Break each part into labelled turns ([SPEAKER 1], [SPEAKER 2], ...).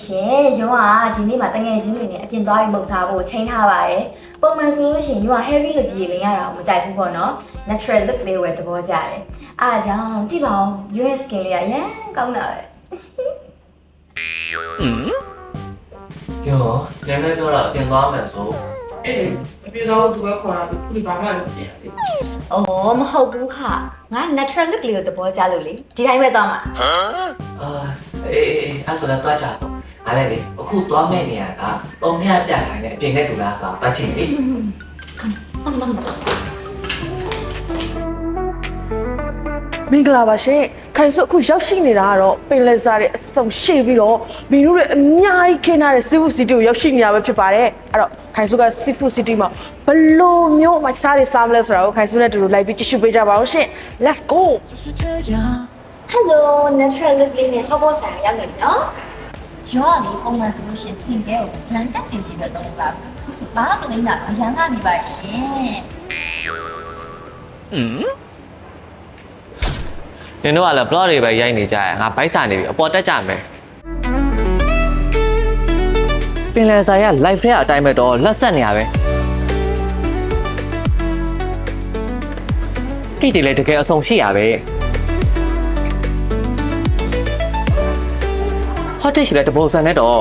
[SPEAKER 1] ရှင်ရုံးကဒီနေ့မှာတငယ်ချင်းတွေနဲ့အပြင်သွားပြီးမုတ်စားဖို့ချိန်ထားပါတယ်ပုံမှန်ဆိုလို့ရှိရင်ရုံးက heavy လို့ကြီးလင်းရတာမကြိုက်ဘူးပေါ့နော် natural look လေးဝယ်သဘောကျတယ်အားကြောင့်ကြည့်ပါဦး US skin လေးကရမ်းကောင်းတာပဲ
[SPEAKER 2] ယောနည်းနည်းပြောတော့ပြင်သွားမယ်ဆို
[SPEAKER 3] အေးအပြေတော့သူပဲခေါ်တာဒီဘာမှမပြင်ရသေးဘူး
[SPEAKER 1] ။အော်မဟုတ်ဘူးခ။ငါ natural look လေးကိုသဘောကျလို့လေ။ဒီတိုင်းပဲသွားမှာ
[SPEAKER 2] ။အေးအဲ့ဆိုတော့တွားကြတော့။အားလည်းလေအခုတွားမဲ့နေရတာပုံနဲ့ပြတိုင်းနဲ့အပြင်နဲ့တူလားဆိုတော့တွားချင်လေ
[SPEAKER 1] ။ခဏတော့
[SPEAKER 4] မင်္ဂလာပါရှင်ခိုင်စုအခုရောက်ရှိနေတာကတော့ပင်လယ်စာရဲ့အစုံရှေ့ပြီးတော့မင်းတို့ရဲ့အများကြီးခင်းထားတဲ့ seafood city ကိုရောက်ရှိနေတာပဲဖြစ်ပါတယ်အဲ့တော့ခိုင်စုက seafood city မှာဘလို့မျိုးမိုက်စားတွေစားမလဲဆိုတာကိုခိုင်စုနဲ့တူတူလိုက်ပြီးကြည့်ရှုပေးကြပါဦးရှင် let's go
[SPEAKER 1] Hello natural look လေးနဲ့ဟောပေါ်ဆိုင်ရောက်နေပြီနော်။ရောကလေပုံမှန်ဆိုလို့ရှိရင် skin care ကိုလမ်းတက်တင်စီပဲတော့လာဘူး။ခုစပါမလိမ့်တာအရန်ကနေပါရှင်
[SPEAKER 5] နင်တို့ကလည်း blog တွေပဲရိုက်နေကြရငါဘိုက်စာနေပြီအပေါ်တက်ကြမယ်ပင်လယ်စာရ live ထဲအတိုင်းပဲတော့လက်ဆက်နေရပဲကိတ်တွေလည်းတကယ်အဆုံရှိရပဲhot dish လည်းတပုံစံနဲ့တော့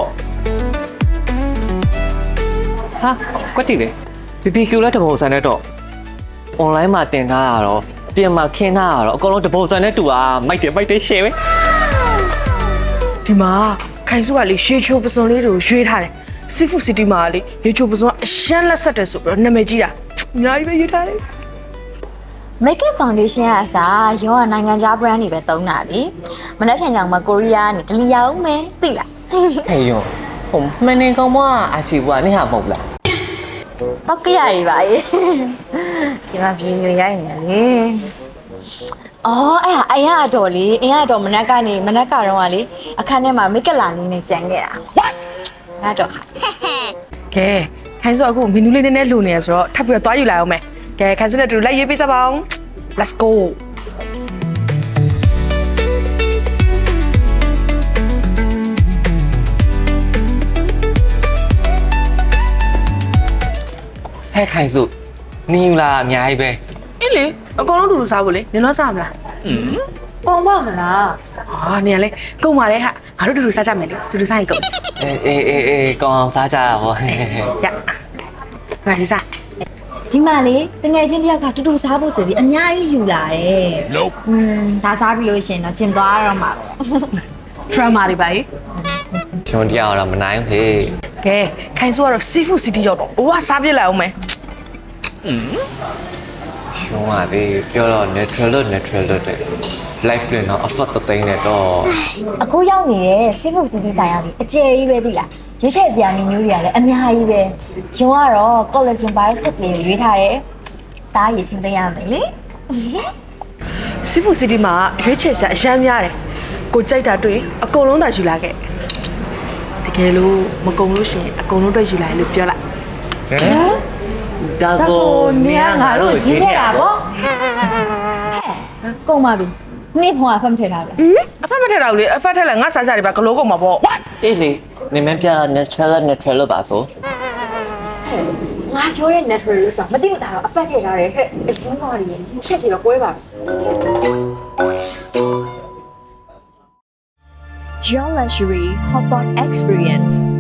[SPEAKER 5] ဟာကွက်တီလေ BBQ လည်းတပုံစံနဲ့တော့ online မှာတင်ထားတာတော့ပြင်မှာခင်းထားတာတော့အကုန်လုံးတပုံစံနဲ့တူတာမိုက်တယ် share ပဲ
[SPEAKER 4] ဒီမှာခိုင်စုကလေရွှေချိုပစုံလေးတွေကိုရွှေထားတယ် seafood city မှာလေရွှေချိုပစုံအရှမ်းလက်ဆက်တယ်ဆိုပြီးတော့နာမည်ကြီးတာအများကြီးပဲရွှေထားတယ်
[SPEAKER 1] Makeup foundation ကအစားရောကနိုင်ငံခြား brand တွေပဲသုံးတာလေမနေ့ပြန်ကြောင်မှာကိုရီးယားကနေဒလီရောက်မယ်သိလား
[SPEAKER 5] ဟဲ့ယောဟိုမနေကောင်မအာချီဘူးကနေဟာမဟုတ်လား
[SPEAKER 1] ဟုတ်ကဲ့ရပါရဲ့ဒီမှာဗီဒီယိုရိုက်နေလေအော်အဲ့အရင်ကတော့လေအရင်ကတော့မနက်ကတော့ကလေအခန်းထဲမှာ make up လာလေးနဲ့ကြံခဲ့တာငါတော့
[SPEAKER 4] ကဲခိုင်စုအခုမီနူးလေးနည်းနည်းလိုနေရဆိုတော့ထပ်ပြီးတော့သွားယူလိုက်အောင်မယ်ကဲခိုင်စုနဲ့တူလိုက်ရေးပေးကြပါအောင် let's go
[SPEAKER 5] ဟဲ့ခိုင်စုနီယူလာအများကြီးပဲ
[SPEAKER 4] အေးလေအကောင်လုံးတူတူစားဖို့လေနင်တော့စားမလား
[SPEAKER 1] ပုံပါမလား
[SPEAKER 4] ဟာနင်ကလေကုန်ပါလေဟာငါတို့တူတူစားကြမယ်လေတူတူစားရင်ကုန်
[SPEAKER 5] အေးကောင်းအောင်စားကြတာဗော
[SPEAKER 4] ရငါဒီစား
[SPEAKER 1] ဒီမှာလေတငယ်ချင်းတယောက်ကတူတူစားဖို့ဆိုပြီးအများကြီးယူလာတယ်ဒါစားပြီးလို့ရှိရင်တော့ကျင်သွားရတော့မှာပဲ
[SPEAKER 4] drama တွေပါလေ
[SPEAKER 5] ကျွန်တော်တရားတော့မနိုင်ဘူးဟေး
[SPEAKER 4] ကဲခိုင်စုကတော့ seafood city ရောက်တော့ဝါစားပြစ်လိုက်အောင်မယ်
[SPEAKER 5] ကျွန်တော်ကလေပြောတော့ natural တဲ့ life နဲ့တော့ effort သိမ်းနေတော့
[SPEAKER 1] အခုရောက်နေတဲ့ seafood city ဆိုင်ရာကြီးအကျယ်ကြီးပဲသိလားရွေးချယ်စရာမီနူးတွေကလည်းအများကြီးပဲရုံကတော့ collagen biotic လေးကိုရွေးထားတယ်ဒါရည်ထင်သိရမယ်လေ
[SPEAKER 4] seafood city မှာရွေးချယ်စရာအများများတယ်ကိုကြိုက်တာတွေ့အကုန်လုံးသာယူလာခဲ့တကယ်လို့မကုန်လို့ရှိရင်အကုန်လုံးတွေ့ယူလာလို့ပြောလိုက်
[SPEAKER 5] ဒါဆိုနေရငါတို့
[SPEAKER 1] ကြီးခဲ့တာဗောကုန်ပါပြီနေ့ဘုံအဖတ်မထည့်ထားဘူး
[SPEAKER 4] အဖတ်မထည့်တော့လေအဖတ်ထည့်လိုက်ငါစားစားတွေပါဂလိုးကုန်မှာပေါ့
[SPEAKER 5] အေးလေနေမပြတာ natural လို့ပါဆို
[SPEAKER 1] ငါပြောတဲ့ natural လို့ဆိုမသိမသာတော့အဖတ်ထည့်ထားတယ်ဟဲ့အရင်ကတည်းကချက်ချင်တော့ကွဲပါ
[SPEAKER 6] Your luxury hotpot experience